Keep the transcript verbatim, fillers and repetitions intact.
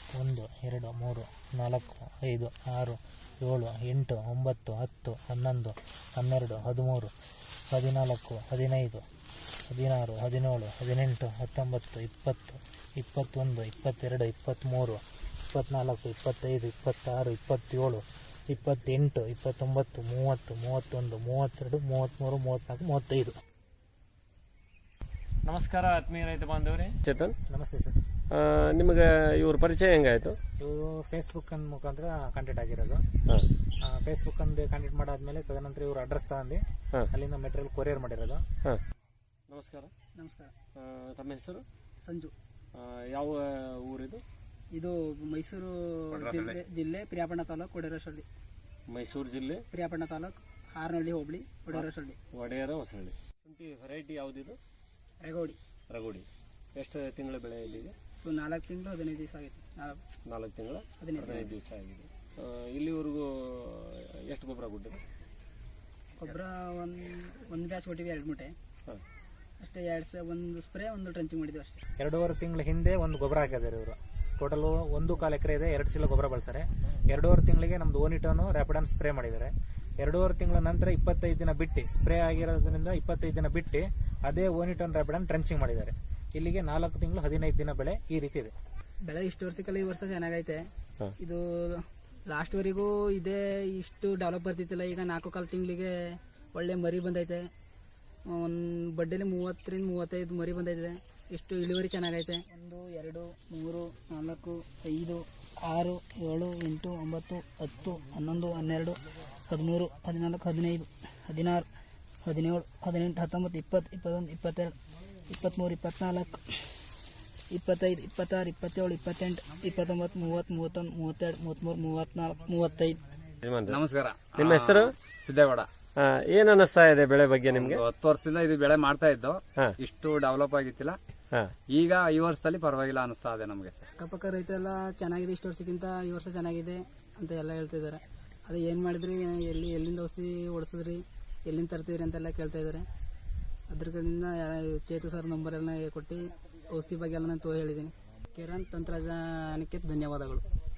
ಒಂದು ಎರಡು ಮೂರು ನಾಲ್ಕು ಐದು ಆರು ಏಳು ಎಂಟು ಒಂಬತ್ತು ಹತ್ತು ಹನ್ನೊಂದು ಹನ್ನೆರಡು ಹದಿಮೂರು ಹದಿನಾಲ್ಕು ಹದಿನೈದು ಹದಿನಾರು ಹದಿನೇಳು ಹದಿನೆಂಟು ಹತ್ತೊಂಬತ್ತು ಇಪ್ಪತ್ತು ಇಪ್ಪತ್ತೊಂದು ಇಪ್ಪತ್ತೆರಡು ಇಪ್ಪತ್ತ್ಮೂರು ಇಪ್ಪತ್ತ್ನಾಲ್ಕು ಇಪ್ಪತ್ತೈದು ಇಪ್ಪತ್ತಾರು ಇಪ್ಪತ್ತೇಳು ಇಪ್ಪತ್ತೆಂಟು ಇಪ್ಪತ್ತೊಂಬತ್ತು ಮೂವತ್ತು ಮೂವತ್ತೊಂದು ಮೂವತ್ತೆರಡು ಮೂವತ್ತ್ಮೂರು ಮೂವತ್ತ್ನಾಲ್ಕು ಮೂವತ್ತೈದು. ನಮಸ್ಕಾರ ಆತ್ಮೀಯ ರೈತ ಬಾಂಧವರೇ. ಚೇತನ್, ನಮಸ್ತೆ ಸರ್. ನಿಮಗೆ ಇವ್ರ ಪರಿಚಯ ಹೆಂಗಾಯಿತು? ಇವರು ಫೇಸ್ಬುಕ್ ಮುಖಾಂತರ ಕಾಂಟ್ಯಾಕ್ಟ್ ಆಗಿರೋದು. ಹಾಂ, ಫೇಸ್ಬುಕ್ ಅಂದು ಕಾಂಟ್ಯಾಕ್ಟ್ ಮಾಡಾದ್ಮೇಲೆ ತದನಂತರ ಇವರು ಅಡ್ರೆಸ್ ತಗೊಂಡು ಅಲ್ಲಿಂದ ಮೆಟೀರಿಯಲ್ ಕೊರಿಯರ್ ಮಾಡಿರೋದು. ಹಾಂ, ನಮಸ್ಕಾರ. ನಮಸ್ಕಾರ. ತಮ್ಮ ಹೆಸರು? ಸಂಜು. ಯಾವ ಊರಿದು? ಇದು ಮೈಸೂರು ಜಿಲ್ಲೆ ಜಿಲ್ಲೆ ಪ್ರಿಯಾಪಣ್ಣ ತಾಲೂಕು ಒಡೆಯರಹೊಸಳ್ಳಿ. ಮೈಸೂರು ಜಿಲ್ಲೆ ಪ್ರಿಯಾಪಣ್ಣ ತಾಲೂಕು ಹಾರನಹಳ್ಳಿ ಹೋಬಳಿ ಒಡೆಯರಹೊಸಳ್ಳಿ. ಒಡೆಯರ ಹೊಸಳ್ಳಿ. ಶುಂಠಿ ವೆರೈಟಿ ಯಾವುದಿದು? ರಗೋಡಿ. ರಗೋಡಿ. ಎಷ್ಟು ತಿಂಗಳ ಬೆಳೆ ಇಲ್ಲಿದೆ? ನಾಲ್ಕು ತಿಂಗಳು ಹದಿನೈದು ದಿವಸ ಆಗಿದೆ. ನಾಲ್ಕು ನಾಲ್ಕು ತಿಂಗಳ ಹದಿನೈದು ಹದಿನೈದು ದಿವಸ ಆಗಿದೆ. ಇಲ್ಲಿವರೆಗೂ ಎಷ್ಟು ಗೊಬ್ಬರ ಕೊಟ್ಟಿದೆ? ಗೊಬ್ಬರ ಒಂದು ಒಂದು ಬ್ಯಾಚ್ ಕೊಟ್ಟಿವಿ, ಎರಡು ಮೂಟೆ ಹಾಂ ಅಷ್ಟೇ. ಎರಡು ಸ ಒಂದು ಸ್ಪ್ರೇ ಒಂದು ಟ್ರಂಚಿಂಗ್ ಮಾಡಿದ್ವಿ ಅಷ್ಟೇ. ಎರಡೂವರೆ ತಿಂಗಳ ಹಿಂದೆ ಒಂದು ಗೊಬ್ಬರ ಹಾಕಿದ್ದಾರೆ ಇವರು. ಟೋಟಲು ಒಂದು ಕಾಲು ಎಕರೆ ಇದೆ, ಎರಡು ಚೀಲ ಗೊಬ್ಬರ ಬಳಸ್ತಾರೆ. ಎರಡೂವರೆ ತಿಂಗಳಿಗೆ ನಮ್ಮದು ಓನಿಟೋನು ರ್ಯಾಪಿಡಾನ್ ಸ್ಪ್ರೇ ಮಾಡಿದ್ದಾರೆ. ಎರಡೂವರೆ ತಿಂಗಳ ನಂತರ ಇಪ್ಪತ್ತೈದು ದಿನ ಬಿಟ್ಟು ಸ್ಪ್ರೇ ಆಗಿರೋದ್ರಿಂದ ಇಪ್ಪತ್ತೈದು ದಿನ ಬಿಟ್ಟು ಅದೇ ಓನಿಟೋನ್ ರ್ಯಾಪಿಡಾನ್ ಟ್ರಂಚಿಂಗ್ ಮಾಡಿದ್ದಾರೆ. ಇಲ್ಲಿಗೆ ನಾಲ್ಕು ತಿಂಗಳು ಹದಿನೈದು ದಿನ ಬೆಳೆ ಈ ರೀತಿ ಇದೆ. ಬೆಳೆ ಇಷ್ಟು ವರ್ಷಕ್ಕೆಲ್ಲ ಈ ವರ್ಷ ಚೆನ್ನಾಗೈತೆ. ಇದು ಲಾಸ್ಟ್ವರೆಗೂ ಇದೇ ಇಷ್ಟು ಡೆವಲಪ್ ಬರ್ತಿತ್ತಿಲ್ಲ. ಈಗ ನಾಲ್ಕು ಕಾಲು ತಿಂಗಳಿಗೆ ಒಳ್ಳೆ ಮರಿ ಬಂದೈತೆ. ಒಂದು ಬಡ್ಡೆಲಿ ಮೂವತ್ತರಿಂದ ಮೂವತ್ತೈದು ಮರಿ ಬಂದೈತೆ. ಇಷ್ಟು ಇಳುವರಿ ಚೆನ್ನಾಗೈತೆ. ಒಂದು ಎರಡು ಮೂರು ನಾಲ್ಕು ಐದು ಆರು ಏಳು ಎಂಟು ಒಂಬತ್ತು ಹತ್ತು ಹನ್ನೊಂದು ಹನ್ನೆರಡು ಹದಿಮೂರು ಹದಿನಾಲ್ಕು ಹದಿನೈದು ಹದಿನಾರು ಹದಿನೇಳು ಹದಿನೆಂಟು ಹತ್ತೊಂಬತ್ತು ಇಪ್ಪತ್ತು ಇಪ್ಪತ್ತೊಂದು ಇಪ್ಪತ್ತೆರಡು ಇಪ್ಪತ್ತ್ಮೂರು ಇಪ್ಪತ್ತ್ನಾಲ್ಕು ಇಪ್ಪತ್ತೈದು ಇಪ್ಪತ್ತಾರು ಇಪ್ಪತ್ತೇಳು ಇಪ್ಪತ್ತೆಂಟು ಇಪ್ಪತ್ತೊಂಬತ್ತು ಮೂವತ್ತು ಮೂವತ್ತೊಂದು ಮೂವತ್ತೆರಡು ಮೂವತ್ತ್ಮೂರು ಮೂವತ್ತ್ನಾಲ್ಕು ಮೂವತ್ತೈದು. ನಮಸ್ಕಾರ. ನಿಮ್ಮ ಹೆಸರು? ಸಿದ್ದೇಗೌಡ. ಏನ್ ಅನ್ನಿಸ್ತಾ ಇದೆ ಬೆಳೆ ಬಗ್ಗೆ ನಿಮ್ಗೆ? ಹತ್ತು ವರ್ಷದಿಂದ ಇದು ಬೆಳೆ ಮಾಡ್ತಾ ಇದ್ದು, ಇಷ್ಟು ಡೆವಲಪ್ ಆಗಿತ್ತಿಲ್ಲ. ಈಗ ಈ ವರ್ಷದಲ್ಲಿ ಪರವಾಗಿಲ್ಲ ಅನಿಸ್ತಾ ಇದೆ ನಮಗೆ. ಅಕ್ಕಪಕ್ಕ ರೈತ ಎಲ್ಲ ಚೆನ್ನಾಗಿದೆ, ಇಷ್ಟು ವರ್ಷಕ್ಕಿಂತ ಈ ವರ್ಷ ಚೆನ್ನಾಗಿದೆ ಅಂತ ಎಲ್ಲ ಹೇಳ್ತಿದ್ದಾರೆ. ಅದು ಏನು ಮಾಡಿದ್ರಿ, ಎಲ್ಲಿ ಎಲ್ಲಿಂದ ಔಷಧಿ ಓಡಿಸಿದ್ರಿ, ಎಲ್ಲಿಂದ ತರ್ತಿದ್ರಿ ಅಂತೆಲ್ಲ ಕೇಳ್ತಾ ಇದ್ದಾರೆ. ಅದ್ರಿಂದ ಚೇತು ಸರ್ ನಂಬರ್ ಎಲ್ಲ ಕೊಟ್ಟು ಔಷಧಿ ಬಗ್ಗೆ ಎಲ್ಲ ನಾನು ತೋ ಹೇಳಿದ್ದೀನಿ. ಕಿರಣ್ ತಂತ್ರಜ್ಞಾನಕ್ಕೆ ಧನ್ಯವಾದಗಳು.